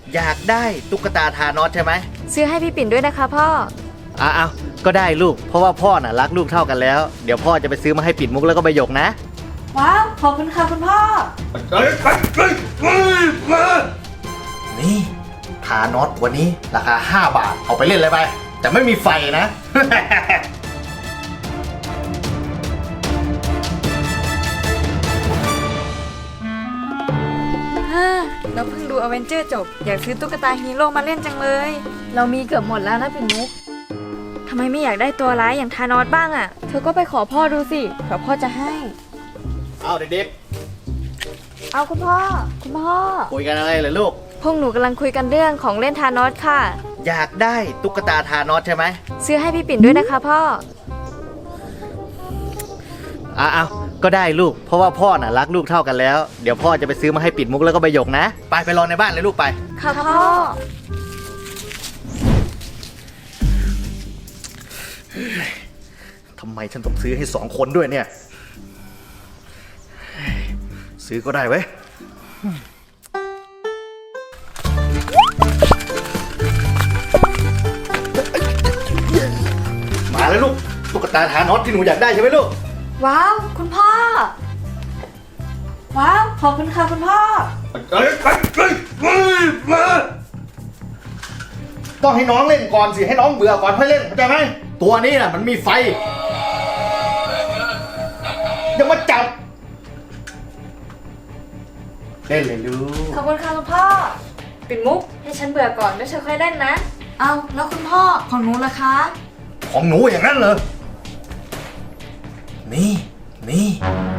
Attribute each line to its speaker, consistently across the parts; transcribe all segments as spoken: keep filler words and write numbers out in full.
Speaker 1: อยากได้ตุ๊กตาทานอสใช่ไหม
Speaker 2: ซื้อให้พี่ปิ่นด้วยนะคะพ่อ
Speaker 1: อ้าวก็ได้ลูกเพราะว่าพ่อน่ะรักลูกเท่ากันแล้วเดี๋ยวพ่อจะไปซื้อมาให้ปิ่นมุกแล้วก็ใบหยกนะ
Speaker 2: ว้าวขอบคุณค่ะคุณพ่อ
Speaker 1: นี่ทานอสวันนี้ราคาห้าบาทเอาไปเล่นเลยไปแต่ไม่มีไฟนะ
Speaker 2: เราเพิ่งดูอเวนเจอร์จบอยากซื้อตุ๊กตาฮีโร่มาเล่นจังเลยเรามีเกือบหมดแล้วนะปิ่นมุกทำไมไม่อยากได้ตัวร้ายอย่างธานอสบ้างอ่ะเธอก็ไปขอพ่อดูสิเผื่อพ่อจะให้
Speaker 1: เอาเด็ก
Speaker 2: ๆเอาคุณพ่อคุณพ่อ
Speaker 1: คุยกันอะไรเหรอลูก
Speaker 2: พวกหนูกำลังคุยกันเรื่องของเล่นธานอสค่ะ
Speaker 1: อยากได้ตุ๊กตาทานอสใช่ไหม
Speaker 2: ซื้อให้พี่ปิ่นด้วยนะคะพ่อ
Speaker 1: อ้าวก็ได้ลูกเพราะว่าพ่อน่ะรักลูกเท่ากันแล้วเดี๋ยวพ่อจะไปซื้อมาให้ปิ่นมุกแล้วก็ใบหยกนะไปไปรอในบ้านเลยลูกไป
Speaker 2: ค่ะพ่อ
Speaker 1: ทำไมฉันต้องซื้อให้สองคนด้วยเนี่ยซื้อก็ได้เว้ยมาแล้วลูกตุ๊กตาทานอสที่หนูอยากได้ใช่ไหมลูก
Speaker 2: ว้าวคุณพ่อว้าวขอบคุณค่ะคุณพ่อ
Speaker 1: ต้องให้น้องเล่นก่อนสิให้น้องเบื่อก่อนค่อยเล่นเข้าใจไหมตัวนี้น่ะมันมีไฟอย่ามาจับเล่นเลยลูก
Speaker 2: ขอบคุณค่ะคุณพ่อปิ่นมุกให้ฉันเบื่อก่อนแล้วเธอค่อยเล่นนะเอาแล้วคุณพ่อของหนูล่ะคะ
Speaker 1: ของหนูอย่างนั้นเหรอนี่นี่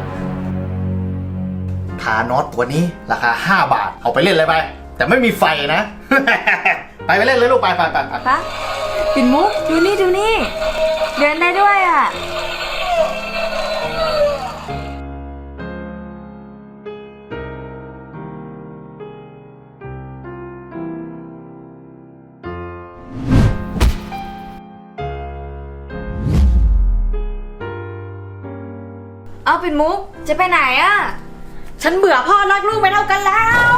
Speaker 1: ทานอสตัวนี้ราคาห้าบาทเอาไปเล่นเลยไปแต่ไม่มีไฟนะ ไปไปเล่นเลยลูกไปไปไป
Speaker 2: ไปปิ่นมุกดูนี่ดูนี่เดินได้ด้วยอ่ะเอาปิ่นมุกจะไปไหนอ่ะฉันเบื่อพ่อรักลูกไม่เท่ากันแล้ว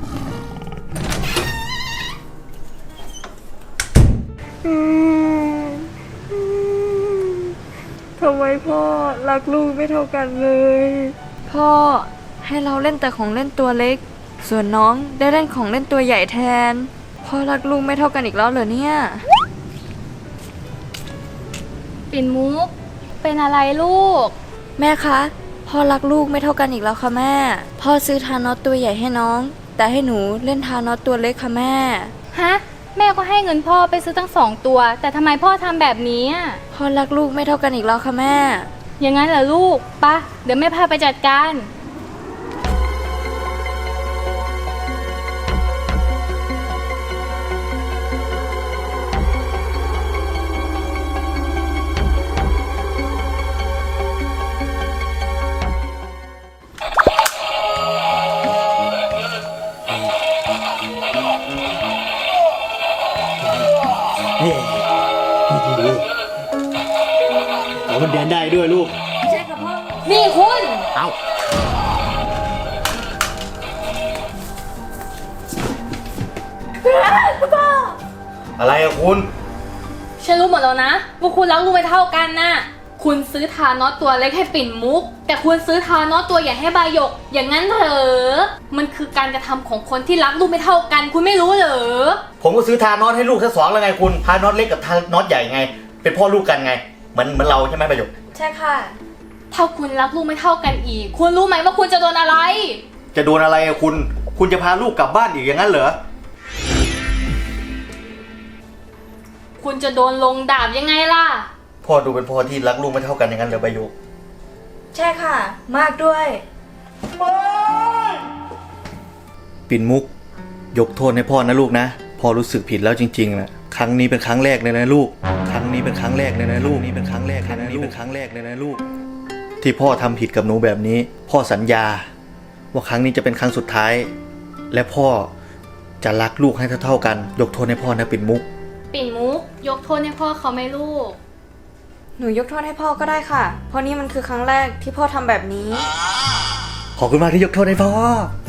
Speaker 2: ทำไมพ่อรักลูกไม่เท่ากันเลยพ่อให้เราเล่นแต่ของเล่นตัวเล็กส่วนน้องได้เล่นของเล่นตัวใหญ่แทนพ่อรักลูกไม่เท่ากันอีกแล้วเหรอเนี่ย
Speaker 3: ปิ่นมุกเป็นอะไรลูก
Speaker 2: แม่คะพ่อรักลูกไม่เท่ากันอีกแล้วค่ะแม่พ่อซื้อทานอสตัวใหญ่ให้น้องแต่ให้หนูเล่นทานอสตัวเล็กค่ะแม่
Speaker 3: ฮะแม่ก็ให้เงินพ่อไปซื้อตั้งสองตัวแต่ทำไมพ่อทำแบบนี้
Speaker 2: พ่อรักลูกไม่เท่ากันอีกแล้วค่ะแม่
Speaker 3: อย่างนั้นเหรอลูกปะเดี๋ยวแม่พาไปจัดการ
Speaker 1: เอามันเดินได้ด้วยลูก
Speaker 2: ใช่ค่ะพ่อ
Speaker 3: นี่คุณ
Speaker 1: เอา
Speaker 2: พ่อ
Speaker 1: อะไรอะคุณ
Speaker 3: ฉันรู้หมดแล้วนะว่าคุณรักลูกไม่เท่ากันน่ะคุณซื้อทานอสตัวเล็กให้ปิ่นมุกแต่คุณซื้อทานอสตัวใหญ่ให้ใบหยกอย่างนั้นเหรอมันคือการกระทำของคนที่รักลูกไม่เท่ากันคุณไม่รู้เหรอ
Speaker 1: ผมก็ซื้อทานอสให้ลูกทั้งสองแล้วไงคุณทานอสเล็กกับทานอสใหญ่ไงเป็นพ่อลูกกันไงเหมือนเหมือนเราใช่ไหมใบหยก
Speaker 2: ใช่ค่ะ
Speaker 3: ถ้าคุณรักลูกไม่เท่ากันอีกคุณรู้ไหมว่าคุณจะโดนอะไร
Speaker 1: จะโดนอะไรอะคุณคุณจะพาลูกกลับบ้านอีกอย่างนั้นเหรอ
Speaker 3: คุณจะโดนลงดาบยังไงล่ะ
Speaker 1: พ่อดูเป็นพ่อที่รักลูกไม่เท่ากันอย่างนั้นเหรอใบหยก
Speaker 2: ใช่ค่ะมากด้วย
Speaker 1: ปิ่นมุกยกโทษให้พ่อนะลูกนะพ่อรู้สึกผิดแล้วจริงๆนะครั้งนี้เป็นครั้งแรกเลยนะลูกครั้งนี้เป็นครั้งแรกเลยนะลูกนี่เป็นครั้งแรกครั้งนี้เป็นครั้งแรกเลยนะลูกที่พ่อทำผิดกับหนูแบบนี้พ่อสัญญาว่าครั้งนี้จะเป็นครั้งสุดท้ายและพ่อจะรักลูกให้เท่าๆกันยกโทษให้พ่อนะปิ่นมุก
Speaker 3: ปิ่นมุกยกโทษให้พ่อเขาไหมลูก
Speaker 2: หนูยกโทษให้พ่อก็ได้ค่ะเพราะนี่มันคือครั้งแรกที่พ่อทำแบบนี้
Speaker 1: ขอบคุณมากที่ยกโทษให้พ่อ